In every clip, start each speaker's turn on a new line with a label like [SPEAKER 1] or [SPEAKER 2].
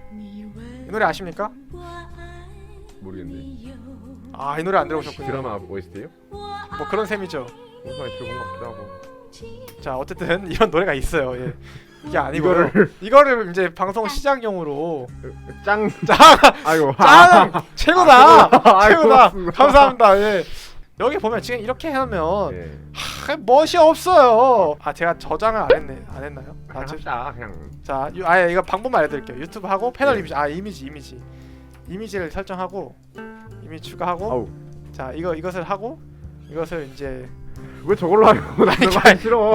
[SPEAKER 1] 이 노래 아십니까?
[SPEAKER 2] 모르겠네.
[SPEAKER 1] 아, 이 노래 안 들어보셨군요.
[SPEAKER 2] 드라마 OST요?
[SPEAKER 1] 뭐 그런 셈이죠.
[SPEAKER 2] 무슨 많이 들어본 것 같기도 하고.
[SPEAKER 1] 자, 어쨌든 이런 노래가 있어요. 예. 이게 아니고요. 이거를 이제 방송 시작용으로
[SPEAKER 2] 짱.
[SPEAKER 1] 짱!
[SPEAKER 2] 아이고.
[SPEAKER 1] 짱! 최고다! 최고다!
[SPEAKER 2] 고맙습니다.
[SPEAKER 1] 감사합니다. 예. 여기 보면 지금 이렇게 해놓으면
[SPEAKER 2] 예.
[SPEAKER 1] 멋이 없어요. 아, 제가 저장을 안 했나요?
[SPEAKER 2] 그냥 합시다. 그냥.
[SPEAKER 1] 자, 아예 이거 방법만 알려드릴게요. 유튜브 하고 패널 이미지, 이미지를 설정하고 이미지 추가하고.
[SPEAKER 2] 아우.
[SPEAKER 1] 자, 이것을 하고 이것을 이제
[SPEAKER 2] 왜 저걸로 하려고? 나 저거 하기 싫어.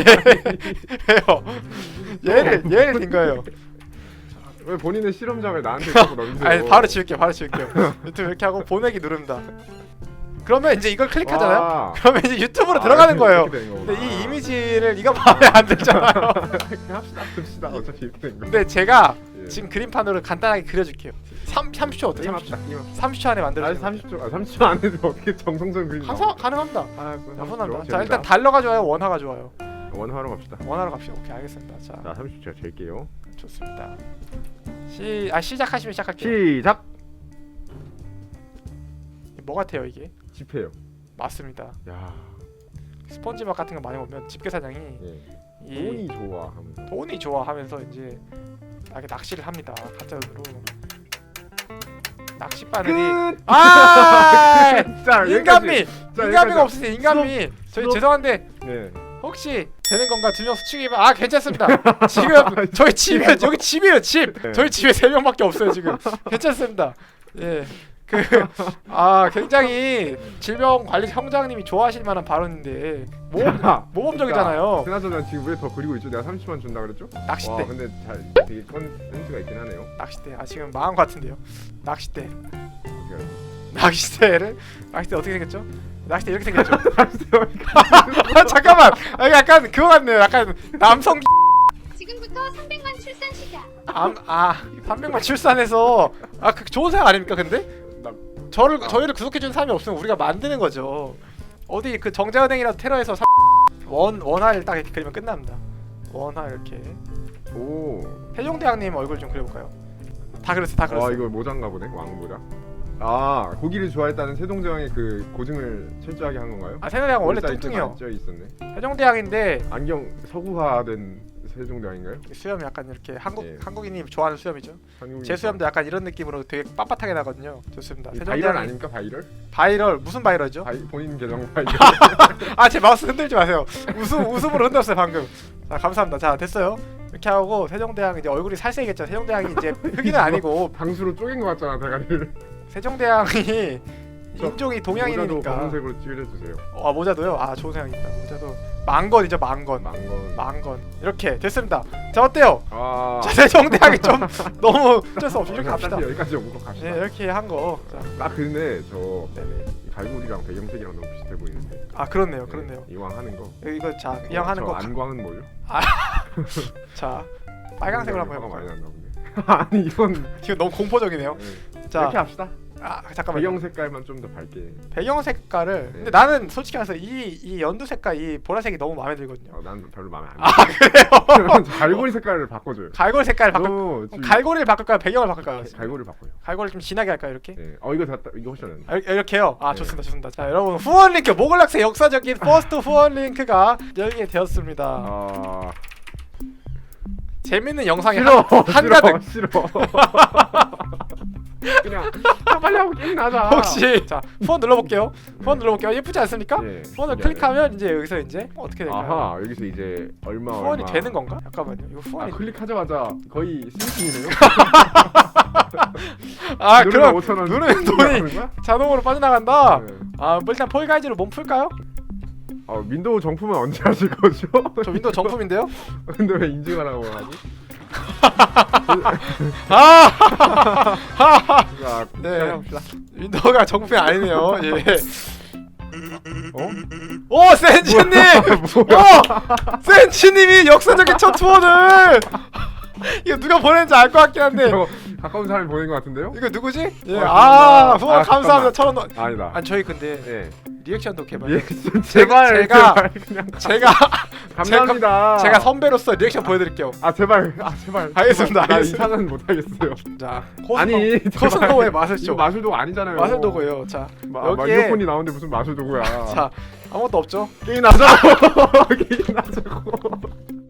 [SPEAKER 1] 왜요? 얘를 든 거예요.
[SPEAKER 2] 왜 본인의 실험장을 나한테 자꾸 넘기세요?
[SPEAKER 1] 아니, 바로 지울게요. 유튜브 이렇게 하고 보내기 누릅니다. 그러면 이제 이걸 클릭하잖아요.
[SPEAKER 2] 아.
[SPEAKER 1] 그러면 이제 유튜브로 들어가는 거예요.
[SPEAKER 2] 이렇게 되는
[SPEAKER 1] 근데
[SPEAKER 2] 거구나.
[SPEAKER 1] 이 이미지를 이거 마음에 안 들잖아요.
[SPEAKER 2] 합시다. 어차피 이렇게 된 거.
[SPEAKER 1] 근데 제가
[SPEAKER 2] 예.
[SPEAKER 1] 지금 그림판으로 간단하게 그려줄게요. 30초 어때요? 30초. 30초 안에
[SPEAKER 2] 아,
[SPEAKER 1] 만들어주세요.
[SPEAKER 2] 30초 안에도 어떻게 정성스러운 그림 나와?
[SPEAKER 1] 가능합니다.
[SPEAKER 2] 아,
[SPEAKER 1] 가능합니다. 자, 일단 달러가 좋아요, 원화가 좋아요.
[SPEAKER 2] 원화로 갑시다.
[SPEAKER 1] 원화로 갑시다. 오케이, 알겠습니다. 자,
[SPEAKER 2] 자, 30초 제가 잴게요.
[SPEAKER 1] 좋습니다. 시작하시면 시작할게요.
[SPEAKER 2] 시작.
[SPEAKER 1] 뭐 같아요 이게?
[SPEAKER 2] 집회요.
[SPEAKER 1] 맞습니다.
[SPEAKER 2] 야,
[SPEAKER 1] 스펀지밥 같은 거 많이 보면 집게사장이
[SPEAKER 2] 예.
[SPEAKER 1] 이
[SPEAKER 2] 돈이 좋아하면서.
[SPEAKER 1] 돈이 좋아하면서 이제 낚시를 합니다. 가짜 돈으로. 낚시바늘이
[SPEAKER 2] 끝.
[SPEAKER 1] 아
[SPEAKER 2] 자,
[SPEAKER 1] 인간미
[SPEAKER 2] 자,
[SPEAKER 1] 인간미가
[SPEAKER 2] 여기까지.
[SPEAKER 1] 없으세요. 인간미. 저희
[SPEAKER 2] 수업.
[SPEAKER 1] 죄송한데
[SPEAKER 2] 예.
[SPEAKER 1] 혹시 되는 건가? 2명 수축이면 아 괜찮습니다. 지금 저희 집에 여기 집이에요 집.
[SPEAKER 2] 네.
[SPEAKER 1] 저희 집에 3명밖에 없어요 지금. 괜찮습니다. 예. 굉장히 질병관리 형장님이 좋아하실 만한 발언인데 모범적이잖아요.
[SPEAKER 2] 그나저나 지금 왜 더 그리고 있죠? 내가 30만 준다 그랬죠? 와,
[SPEAKER 1] 낚싯대.
[SPEAKER 2] 근데 되게 센스가 있긴 하네요.
[SPEAKER 1] 낚싯대. 아 지금 망한 것 같은데요. 낚싯대.
[SPEAKER 2] 어떻게 알았어?
[SPEAKER 1] 낚싯대 어떻게 생겼죠? 낚싯대 이렇게 생겼죠. 잠깐만. 아, 약간 그거 같네요. 약간 남성.
[SPEAKER 3] 지금부터 300만 출산 시작.
[SPEAKER 1] 300만 출산해서 그 좋은 생각 아닙니까? 근데 저희를 구속해주는 사람이 없으면 우리가 만드는 거죠. 어디 그 정자은행이라도 테러해서 원화를 딱 이렇게 그리면 끝납니다. 원화 이렇게.
[SPEAKER 2] 오.
[SPEAKER 1] 세종대왕님 얼굴 좀 그려볼까요? 다 그렸어.
[SPEAKER 2] 아, 이거 모자인가 보네. 왕 모자. 아, 고기를 좋아했다는 세종대왕의 그 고증을 철저하게 한 건가요?
[SPEAKER 1] 세종대왕 원래
[SPEAKER 2] 글자 이렇게
[SPEAKER 1] 뚱뚱해요.
[SPEAKER 2] 쪄 있었네.
[SPEAKER 1] 세종대왕인데
[SPEAKER 2] 안경 서구화된 세종대왕인가요?
[SPEAKER 1] 수염이 약간 이렇게
[SPEAKER 2] 예.
[SPEAKER 1] 한국인이 좋아하는 수염이죠. 제 수염도 약간 이런 느낌으로 되게 빳빳하게 나거든요. 좋습니다.
[SPEAKER 2] 바이럴 아닙니까?
[SPEAKER 1] 바이럴 무슨 바이럴이죠?
[SPEAKER 2] 본인 계정 바이럴.
[SPEAKER 1] 제 마우스 흔들지 마세요. 웃음으로 흔들었어요 방금. 자 감사합니다. 자 됐어요. 이렇게 하고 세종대왕 이제 얼굴이 살색이겠죠. 세종대왕이 이제 흑인은 아니고
[SPEAKER 2] 방수로 쪼갠 것 같잖아 대가리를.
[SPEAKER 1] 세종대왕이 인종이 동양인이니까.
[SPEAKER 2] 모자도 검은색으로 찌려주세요.
[SPEAKER 1] 모자도요? 좋은 생각입니다. 모자도 망건이죠. 망건. 이렇게 됐습니다. 자 어때요? 자 세종대왕이 좀 너무 어쩔 수 없이 이렇게 갑시다.
[SPEAKER 2] 여기까지 오고 갑시다.
[SPEAKER 1] 네 이렇게 한 거.
[SPEAKER 2] 근데 저
[SPEAKER 1] 네네.
[SPEAKER 2] 갈고리랑 배경색이랑 너무 비슷해 보이는데.
[SPEAKER 1] 그렇네요.
[SPEAKER 2] 이왕 하는 거.
[SPEAKER 1] 이거 이왕 하는 거.
[SPEAKER 2] 안광은 뭐요?
[SPEAKER 1] 자 빨강색으로 한번
[SPEAKER 2] 화가
[SPEAKER 1] 해볼까요?
[SPEAKER 2] 많이 났나 보네. 아니 이건
[SPEAKER 1] 너무 공포적이네요. 자
[SPEAKER 2] 이렇게 합시다.
[SPEAKER 1] 잠깐만요.
[SPEAKER 2] 배경 색깔만 좀 더 밝게.
[SPEAKER 1] 배경 색깔을 근데 나는 솔직히 말해서 이 연두 색깔 이 보라색이 너무 마음에 들거든요.
[SPEAKER 2] 난 별로 마음에 안 들어.
[SPEAKER 1] 그래요?
[SPEAKER 2] 갈고리 색깔을 바꿔줘요.
[SPEAKER 1] 갈고리 색깔 갈고리를 바꿀까요? 배경을 바꿀까요?
[SPEAKER 2] 갈고리 바꿔요.
[SPEAKER 1] 갈고리 좀 진하게 할까요? 이렇게?
[SPEAKER 2] 네. 이거 됐다. 이거 훨씬 낫네.
[SPEAKER 1] 이렇게요?
[SPEAKER 2] 네.
[SPEAKER 1] 좋습니다. 자 여러분 후원 링크 모글락스의 역사적인 퍼스트 후원 링크가 열게 되었습니다. 재밌는 영상이 한가득.
[SPEAKER 2] 싫어. 그냥 빨리 하고 게임 나자.
[SPEAKER 1] 혹시 자 후원 눌러볼게요. 예쁘지 않습니까?
[SPEAKER 2] 네,
[SPEAKER 1] 후원을 클릭하면 이제 여기서 이제 어떻게 될까요?
[SPEAKER 2] 아하, 여기서 이제 후원이
[SPEAKER 1] 되는 건가? 잠깐만요. 이거 후원이
[SPEAKER 2] 클릭하자마자 거의 스위칭이네요.
[SPEAKER 1] 그럼
[SPEAKER 2] 5,000원
[SPEAKER 1] 누르면 돈이 자동으로 빠져나간다.
[SPEAKER 2] 네.
[SPEAKER 1] 일단 폴가이즈로 몸 풀까요?
[SPEAKER 2] 윈도우 정품은 언제 하실 거죠?
[SPEAKER 1] 저 윈도우 정품인데요?
[SPEAKER 2] 근데 왜 인증하라고 하지?
[SPEAKER 1] 네. 윈도우가 정품이 아니네요. 예. 센치님! 센치님이 역사적인 첫 후원을! 이거 누가 보냈는지 알 것 같긴 한데.
[SPEAKER 2] 가까운 사람이 보낸 것 같은데요?
[SPEAKER 1] 이거 누구지? 후원 감사합니다. 1,000원.
[SPEAKER 2] 아니다.
[SPEAKER 1] 저희 근데 리액션도 개발.
[SPEAKER 2] 리액션 제발
[SPEAKER 1] 제가-
[SPEAKER 2] 제발 그냥
[SPEAKER 1] 제가
[SPEAKER 2] 감사합니다.
[SPEAKER 1] 제가 선배로서 리액션 보여드릴게요.
[SPEAKER 2] 아 제발 제발
[SPEAKER 1] 알겠습니다,
[SPEAKER 2] 나
[SPEAKER 1] 알겠습니다.
[SPEAKER 2] 이상은 못하겠어요.
[SPEAKER 1] 자,
[SPEAKER 2] 아니
[SPEAKER 1] 코스노의
[SPEAKER 2] 이거
[SPEAKER 1] 마술쇼.
[SPEAKER 2] 마술도구 아니잖아요.
[SPEAKER 1] 마술도구예요. 자,
[SPEAKER 2] 막
[SPEAKER 1] 여기에-
[SPEAKER 2] 이어폰이 나오는데 무슨 마술도구야.
[SPEAKER 1] 자 아무것도 없죠.
[SPEAKER 2] 게임 하자고. 게임 하자고.